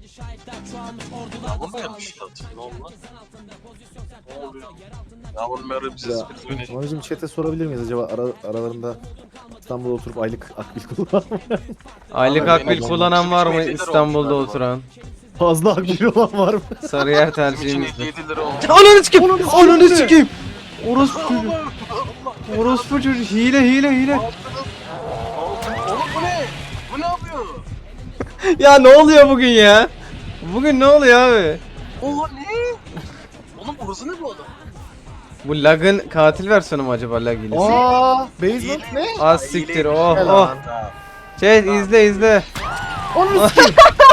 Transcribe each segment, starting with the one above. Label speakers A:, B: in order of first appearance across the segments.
A: Yağmur mu yapmış? Ne oldu lan? Ne oluyor? Yağmur mu yarım ses bir dönüş?
B: Mami'cim chat'e sorabilir miyiz acaba aralarında İstanbul'da oturup aylık akbil kullanan
C: Aylık
A: Abi,
C: akbil
A: benim
C: kullanan var mı
A: bizim için
C: İstanbul'da
A: olmuş galiba.
C: oturan?
B: fazla akbil olan var mı?
C: Sarıyer
A: Bizim için
C: tercihimizdir.
A: 57 lira olmuş.
C: Ananı sikeyim! Ananı sikeyim! Orospu çocuğu. Orospu çocuğu. Hile.
A: Oğlum bu ne? Bu ne yapıyor?
C: Ya ne oluyor bugün ya? Bugün ne oluyor abi?
A: Oha ne? Oğlum burası ne bu adam?
C: Bu lag'ın katil versiyonu mu acaba lag hilesi?
B: Basement ne?
C: Az siktir oh
B: Helal.
C: oh. Chat izle.
B: Onu sikeyim.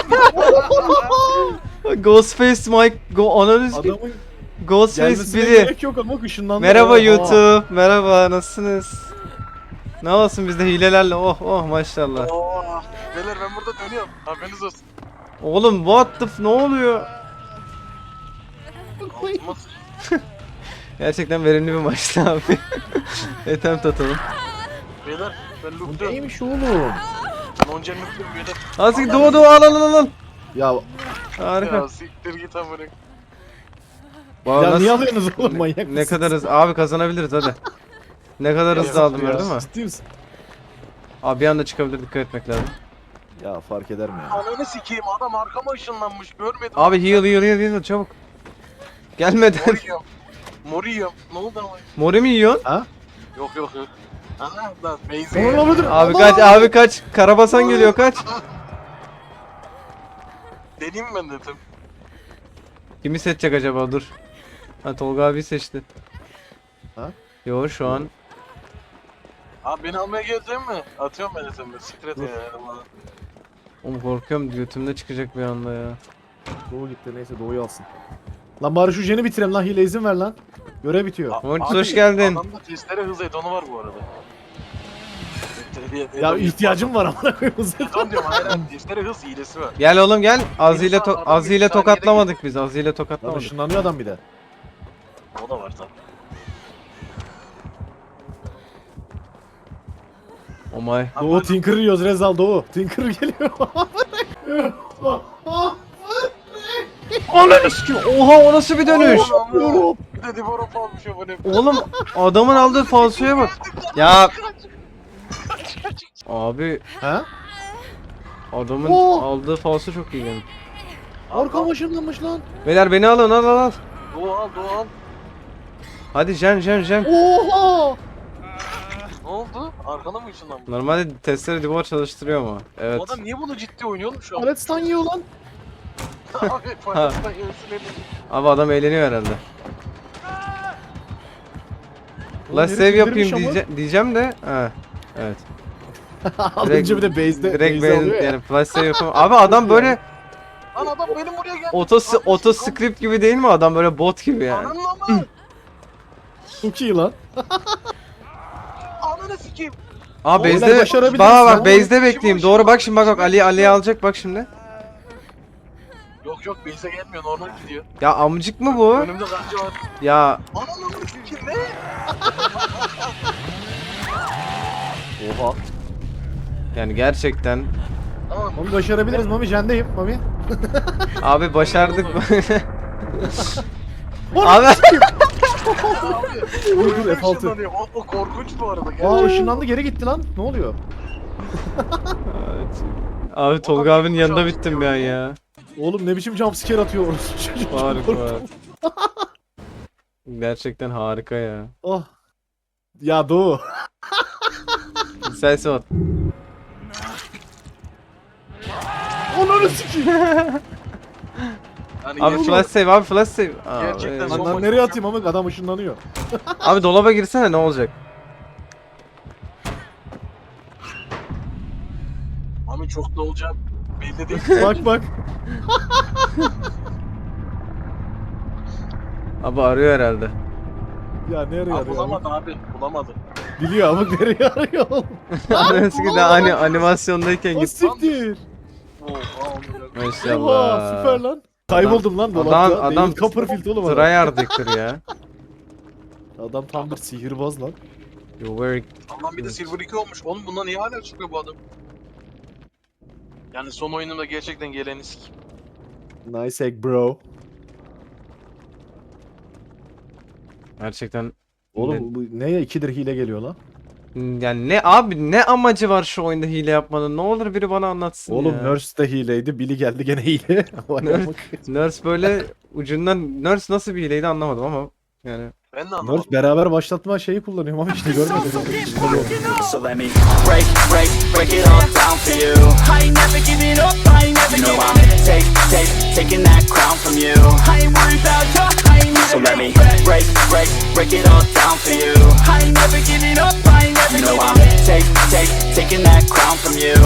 C: Ghostface Mike ananı sikeyim.
B: Adamın
C: Ghostface
B: gelmesine
C: biri.
B: gerek yok ama ışınlandı.
C: Merhaba
B: Oha.
C: YouTube. Merhaba nasılsınız? Ne olsun bizde hilelerle oh maşallah.
A: Oo, beyler ben burada dönüyorum. Haberiniz olsun.
C: Oğlum what the ne oluyor?
A: Altıma
C: Gerçekten verimli bir maçtı abi. Attempt atalım.
A: Beyler ben
B: Bu
A: loop'tum.
B: neymiş oğlum?
A: Noncan loop'tum beyler.
C: Azıcık doğu al.
B: Ya,
C: Harika.
A: Ya siktir git amına.
C: Vallahi
B: ya
C: nasıl-
B: niye alıyorsunuz oğlum manyak mısınız?
C: Ne kadar hızlı abi kazanabiliriz hadi. Ne kadar hızlı aldım
B: Ya,
C: gördün mü?
B: Ciddi misin?
C: Abi bir anda çıkabilir dikkat etmek lazım.
B: Ya fark eder mi ya?
A: Ananı sikeyim adam arkama ışınlanmış görmedim.
C: Abi heal çabuk. Gelmeden.
A: Moriyorum. Ne oldu ama?
C: Mori mi yiyorsun?
A: Yok. Aha lan
B: Onu
A: Beyzi.
B: alamadım.
C: Abi kaç. Karabasan geliyor kaç.
A: Deneyim ben dedim.
C: Kimi seçecek acaba dur. Ha Tolga abi seçti.
B: Ha?
C: Yo şu an.
A: Abi beni almaya gelecek mi? Atıyorum ben dedim. Siktir et
B: Dur.
A: ya.
C: Oğlum korkuyorum götümde çıkacak bir anda ya.
B: Doğu gitti neyse Doğu'yu alsın. Lan bari şu jeni bitireyim lan hile izin ver lan. Görev bitiyor.
C: Mortis,
A: Abi,
C: hoş geldin.
A: Adamda testere hız etonu var bu arada.
B: Ya ihtiyacım var amına koyayım.
A: Eton diyorum hayır testere hız hilesi var.
C: Gel oğlum gel. Azile
A: İnsan adam bir
C: Azile
A: saniyede
C: tokatlamadık biz. Azile
B: Lan
C: tokatlamadık.
B: ışınlanıyor adam bir de.
A: O da var tabii.
C: Oh my.
B: Doğu Tinker yiyoruz Rezal Doğu. Tinker geliyor.
C: Ananı sikeyim. Oha o nasıl bir dönüş?
A: Oğlum, bir de Divorop almış o ne?
C: Oğlum adamın aldığı falsoya bak. Ya abi
B: Ha?
C: adamın
B: Oo.
C: aldığı falso çok iyi yani.
B: Arkam ışınlanmış lan.
C: Beyler beni alın al.
A: Doğal.
C: Hadi Jen.
B: Oha!
A: Ne oldu? Arkana mı ışınlanmış?
C: Normalde testleri Divor çalıştırıyor mu? Evet.
A: Bu adam niye bunu ciddi oynuyor oğlum şu an?
B: Alet stun yiyor lan.
A: Abi Fire'dan yemesin elini.
C: Abi adam eğleniyor herhalde.
B: Oğlum
C: La
B: herif
C: save
B: indirmiş
C: yapayım
B: ama.
C: diyeceğim de. Ha. Evet.
B: Alınca bir de base'de
C: Direkt
B: base'de
C: ben
B: alıyor ya.
C: yani flash save yapamam. Abi adam böyle
A: Lan adam benim buraya geldi.
C: auto script gibi değil mi adam böyle bot gibi yani.
A: Ananı ama.
B: Çok iyi lan.
A: Ananı sikeyim.
C: Aa
B: Beyler
C: base'de
B: başarabiliriz
C: bak
B: ya.
C: base'de bekleyeyim. Doğru bak şimdi bak Ali alacak bak şimdi.
A: Yok base'e gelmiyor normal gidiyor.
C: Ya amcık mı bu?
A: Önümde kanca var.
C: Ya
A: Ananı sikeyim ne?
B: Oha.
C: yani gerçekten
A: Tamam.
B: Mami başarabiliriz Mami jendeyim Mami.
C: abi başardık.
B: Abi.
C: Abi
B: Dur
A: Öyle
B: F6.
A: ışınlanıyor. O korkunç bu arada.
B: Aa
A: Gerçekten.
B: ışınlandı geri gitti lan. Ne oluyor?
C: Abi Tolga abinin yanında bittim ben ya.
B: Oğlum ne biçim jumpscare atıyor orası çocuk.
C: Harika. Gerçekten harika ya.
B: Oh. Ya Doğu.
C: Sensin o.
B: Onları sikeyim.
A: Yani
C: Abi flash save abi flash save.
A: Gerçekten
C: Abi,
B: Lan nereye atayım ama adam ışınlanıyor.
C: abi dolaba girsene ne olacak?
A: Abi çok da olacağım. Belli değil.
B: Bak bak.
C: Abi arıyor herhalde.
B: Ya nereye
A: Abi
B: arıyor?
A: bulamadı abi. Bulamadı.
B: Biliyor ama nereye arıyor oğlum?
C: Nasıl ki daha hani animasyondayken
B: O
C: git.
B: siktir.
A: Oha
B: Oha
C: Maşallah.
B: süper lan. Kayboldum lan dolapta.
C: adam
B: David Copperfield oğlum adam.
C: Tryhard'ıktır ya.
B: Adam tam bir sihirbaz lan.
C: You very...
A: Allah'ım bir de Silver 2 olmuş. Oğlum bundan niye hala çıkıyor bu adam? Yani son oyunumda gerçekten geleni sikeyim.
B: Nice egg bro.
C: Gerçekten
B: Oğlum bu neye 2'dir hile geliyor lan?
C: yani ne abi, ne amacı var şu oyunda hile yapmanın? Ne olur biri bana anlatsın
B: Oğlum
C: ya.
B: Nurse de hileydi. Billy geldi gene hile.
C: Nurse böyle ucundan, Nurse nasıl bir hileydi anlamadım ama yani.
A: Ben de anlamadım.
B: Nurse beraber başlatma şeyi kullanıyorum ama işte görmedim.
D: So let me break it all down for you. I ain't never giving up, I ain't never giving up. Taking that crown from you. I ain't worried about you, I ain't never. So let me break it all down for you. I ain't never giving up, I ain't never giving up. Taking that crown from you.